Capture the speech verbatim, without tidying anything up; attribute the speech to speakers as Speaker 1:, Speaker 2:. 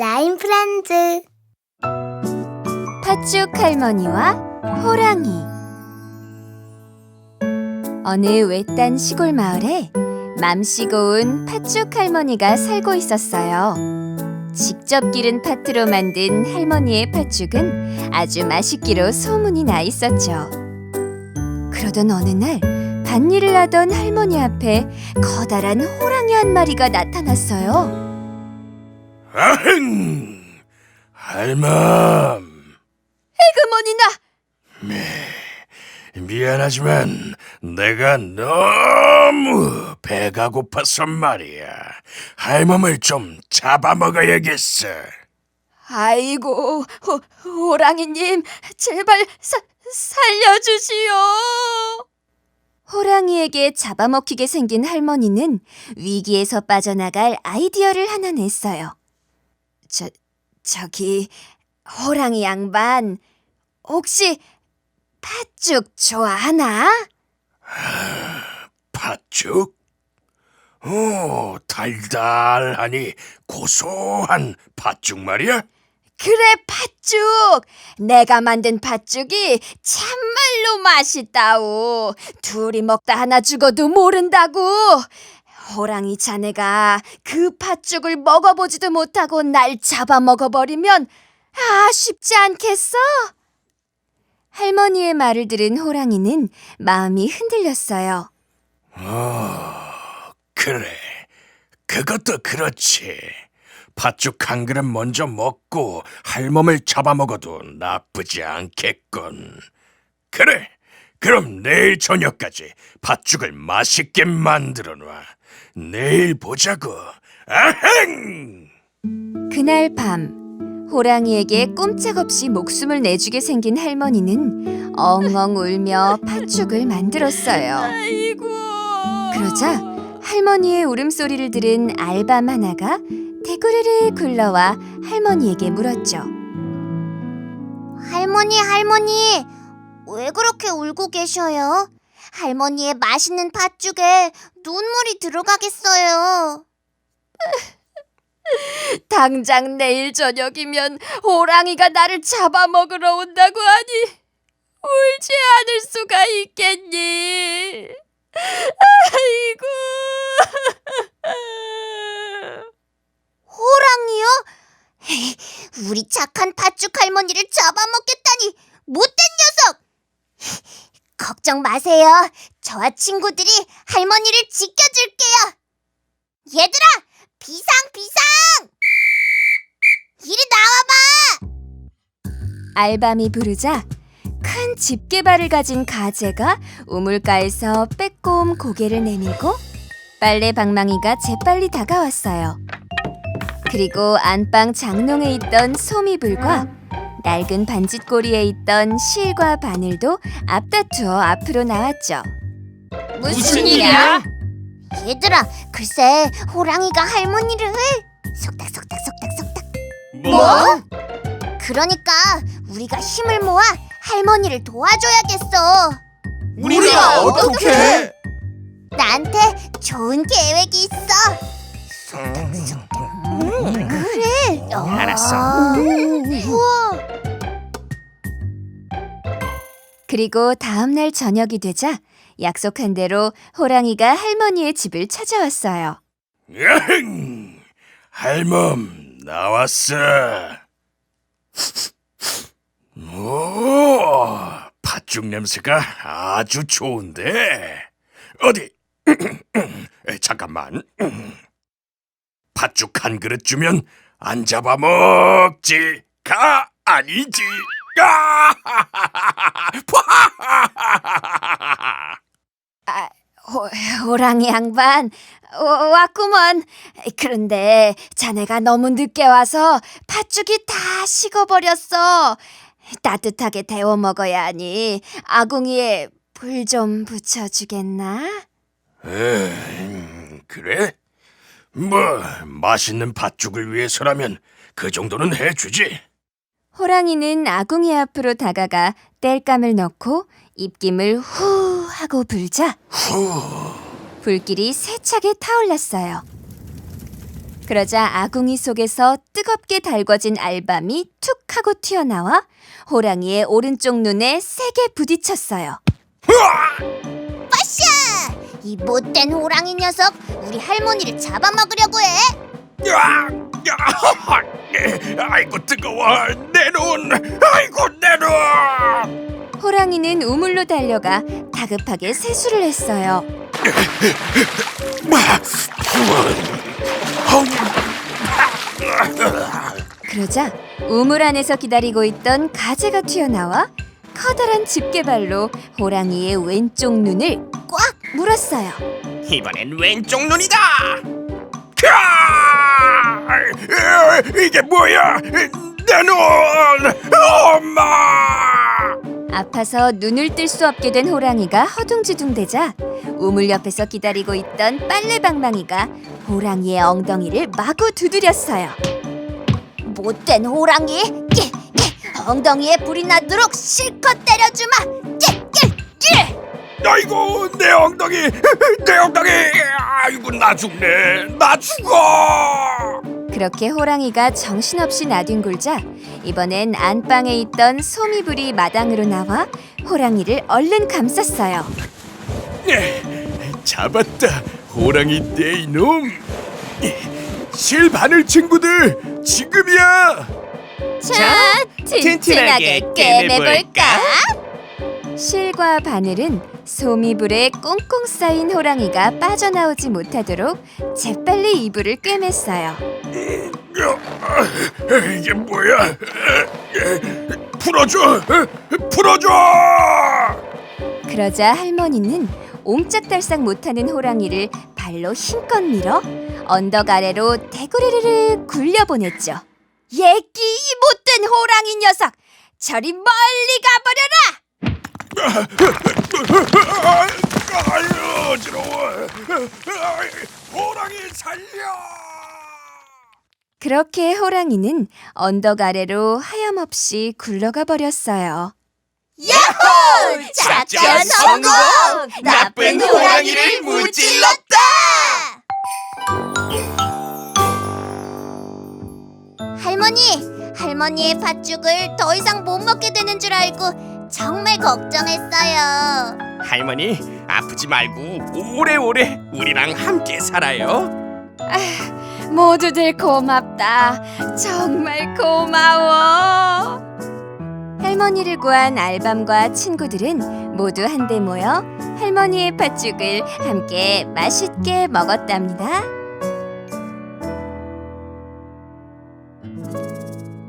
Speaker 1: 라임 프렌즈.
Speaker 2: 팥죽 할머니와 호랑이. 어느 외딴 시골 마을에 맘씨 고운 팥죽 할머니가 살고 있었어요. 직접 기른 팥으로 만든 할머니의 팥죽은 아주 맛있기로 소문이 나 있었죠. 그러던 어느 날 밭일을 하던 할머니 앞에 커다란 호랑이 한 마리가 나타났어요.
Speaker 3: 아흥! 할멈!
Speaker 2: 에그머니나!
Speaker 3: 미안하지만 내가 너무 배가 고파서 말이야. 할멈을 좀 잡아먹어야겠어.
Speaker 2: 아이고, 호, 호랑이님, 제발 사, 살려주시오. 호랑이에게 잡아먹히게 생긴 할머니는 위기에서 빠져나갈 아이디어를 하나 냈어요. 저, 저기, 호랑이 양반, 혹시 팥죽 좋아하나?
Speaker 3: 팥죽? 오, 달달하니 고소한 팥죽 말이야?
Speaker 2: 그래, 팥죽! 내가 만든 팥죽이 참말로 맛있다오. 둘이 먹다 하나 죽어도 모른다고. 호랑이 자네가 그 팥죽을 먹어보지도 못하고 날 잡아먹어버리면 아쉽지 않겠어? 할머니의 말을 들은 호랑이는 마음이 흔들렸어요.
Speaker 3: 어, 그래. 그것도 그렇지. 팥죽 한 그릇 먼저 먹고 할멈을 잡아먹어도 나쁘지 않겠군. 그래, 그럼 내일 저녁까지 팥죽을 맛있게 만들어놔. 내일 보자고. 아흥!
Speaker 2: 그날 밤 호랑이에게 꼼짝없이 목숨을 내주게 생긴 할머니는 엉엉 울며 팥죽을 만들었어요.
Speaker 1: 아이고.
Speaker 2: 그러자 할머니의 울음소리를 들은 알밤 하나가 대구르르 굴러와 할머니에게 물었죠.
Speaker 1: 할머니, 할머니, 왜 그렇게 울고 계셔요? 할머니의 맛있는 팥죽에 눈물이 들어가겠어요.
Speaker 2: 당장 내일 저녁이면 호랑이가 나를 잡아먹으러 온다고 하니 울지 않을 수가 있겠니? 아이고.
Speaker 1: 호랑이요? 우리 착한 팥죽 할머니를 잡아먹겠다니 못된 녀석! 걱정 마세요. 저와 친구들이 할머니를 지켜줄게요. 얘들아, 비상 비상! 이리 나와봐!
Speaker 2: 알밤이 부르자 큰 집게발을 가진 가재가 우물가에서 빼꼼 고개를 내밀고 빨래 방망이가 재빨리 다가왔어요. 그리고 안방 장롱에 있던 소미불과 낡은 반짓고리에 있던 실과 바늘도 앞다투어 앞으로 나왔죠.
Speaker 1: 무슨 일이야? 얘들아, 글쎄 호랑이가 할머니를 속닥속닥속닥속닥.
Speaker 3: 뭐?
Speaker 1: 그러니까 우리가 힘을 모아 할머니를 도와줘야겠어.
Speaker 3: 우리가 어떻게?
Speaker 1: 나한테 좋은 계획이 있어. 그래.
Speaker 3: 알았어.
Speaker 1: 우와.
Speaker 2: 그리고 다음 날 저녁이 되자 약속한 대로 호랑이가 할머니의 집을 찾아왔어요.
Speaker 3: 야흥! 할멈 나왔어. 오, 팥죽 냄새가 아주 좋은데. 어디? 에, 잠깐만. 팥죽 한 그릇 주면 안 잡아먹지가 아니지. 아!
Speaker 2: 아, 호, 호랑이 양반 어, 왔구먼. 그런데 자네가 너무 늦게 와서 팥죽이 다 식어버렸어. 따뜻하게 데워 먹어야 하니 아궁이에 불 좀 붙여주겠나?
Speaker 3: 음, 그래? 뭐 맛있는 팥죽을 위해서라면 그 정도는 해주지.
Speaker 2: 호랑이는 아궁이 앞으로 다가가 땔감을 넣고 입김을 후 하고 불자
Speaker 3: 후.
Speaker 2: 불길이 세차게 타올랐어요. 그러자 아궁이 속에서 뜨겁게 달궈진 알밤이 툭 하고 튀어나와 호랑이의 오른쪽 눈에 세게 부딪혔어요.
Speaker 1: 빠샤! 이 못된 호랑이 녀석, 우리 할머니를 잡아먹으려고 해.
Speaker 3: 야! 야! 아이고 뜨거워. 내 눈. 아이고 내 눈.
Speaker 2: 호랑이는 우물로 달려가 다급하게 세수를 했어요. 그러자 우물 안에서 기다리고 있던 가재가 튀어나와 커다란 집게발로 호랑이의 왼쪽 눈을 꽉 물었어요.
Speaker 4: 이번엔 왼쪽 눈이다.
Speaker 3: 캬! 이게 뭐야? 내 눈! 엄마!
Speaker 2: 아파서 눈을 뜰 수 없게 된 호랑이가 허둥지둥대자 우물 옆에서 기다리고 있던 빨래방망이가 호랑이의 엉덩이를 마구 두드렸어요.
Speaker 1: 못된 호랑이, 끼, 끼, 엉덩이에 불이 나도록 실컷 때려주마. 끼, 끼, 끼.
Speaker 3: 아이고 내 엉덩이! 내 엉덩이! 아이고 나 죽네! 나 죽어!
Speaker 2: 그렇게 호랑이가 정신없이 나뒹굴자 이번엔 안방에 있던 소미불이 마당으로 나와 호랑이를 얼른 감쌌어요.
Speaker 3: 잡았다 호랑이 떼 이놈! 실바늘 친구들 지금이야!
Speaker 2: 자,
Speaker 4: 튼튼하게 꿰매볼까?
Speaker 2: 실과 바늘은 소미불에 꽁꽁 쌓인 호랑이가 빠져나오지 못하도록 재빨리 이불을 꿰맸어요.
Speaker 3: 이게 뭐야? 풀어줘! 풀어줘!
Speaker 2: 그러자 할머니는 옴짝달싹 못하는 호랑이를 발로 힘껏 밀어 언덕 아래로 대구르르르 굴려보냈죠. 예끼 이 못된 호랑이 녀석! 저리 멀리 가버려라!
Speaker 3: 아유 어지러워. 호랑이 살려.
Speaker 2: 그렇게 호랑이는 언덕 아래로 하염없이 굴러가 버렸어요.
Speaker 1: 야호!
Speaker 4: 작전 성공! 나쁜 호랑이를 무찔렀다!
Speaker 1: 할머니, 할머니의 팥죽을 더 이상 못 먹게 되는 줄 알고 정말 걱정했어요.
Speaker 4: 할머니 아프지 말고 오래오래 우리랑 함께 살아요.
Speaker 2: 모두들 고맙다. 정말 고마워. 할머니를 구한 알밤과 친구들은 모두 한데 모여 할머니의 팥죽을 함께 맛있게 먹었답니다.